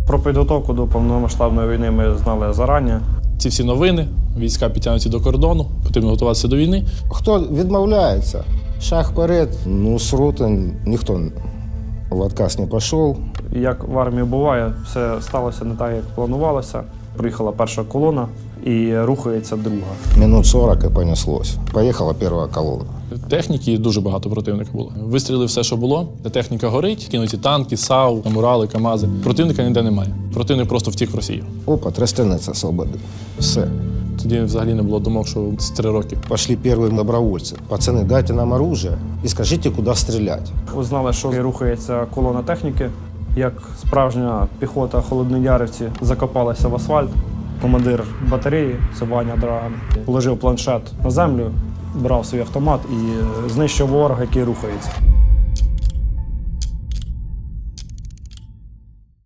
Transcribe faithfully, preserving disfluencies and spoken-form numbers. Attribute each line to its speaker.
Speaker 1: Про підготовку до повномасштабної війни ми знали зарані.
Speaker 2: Ці всі новини, війська підтягнуті до кордону, потрібно готуватися до війни.
Speaker 3: Хто відмовляється, шаг вперед, ну з роти ніхто в отказ не пішов.
Speaker 1: Як в армії буває, все сталося не так, як планувалося. Приїхала перша колона і рухається друга.
Speaker 3: Минут сорок і понеслось. Поїхала перша колона.
Speaker 2: Техніки дуже багато противника було. Вистрілили все, що було. Техніка горить, кинуті танки, САУ, Мурали, КАМАЗи. Противника ніде немає. Противник просто втік в Росію.
Speaker 3: Опа, Тростянець свободи. Все.
Speaker 2: Тоді взагалі не було думок, що це три роки.
Speaker 3: Пошли перші добровольці. Пацани, дайте нам оружие і скажіть, куди стріляти.
Speaker 1: Узнали, що рухається колона техніки. Як справжня піхота холодноярівці закопалася в асфальт. Командир батареї, це Ваня Драган, положив планшет на землю, брав свій автомат і знищив ворога, який рухається.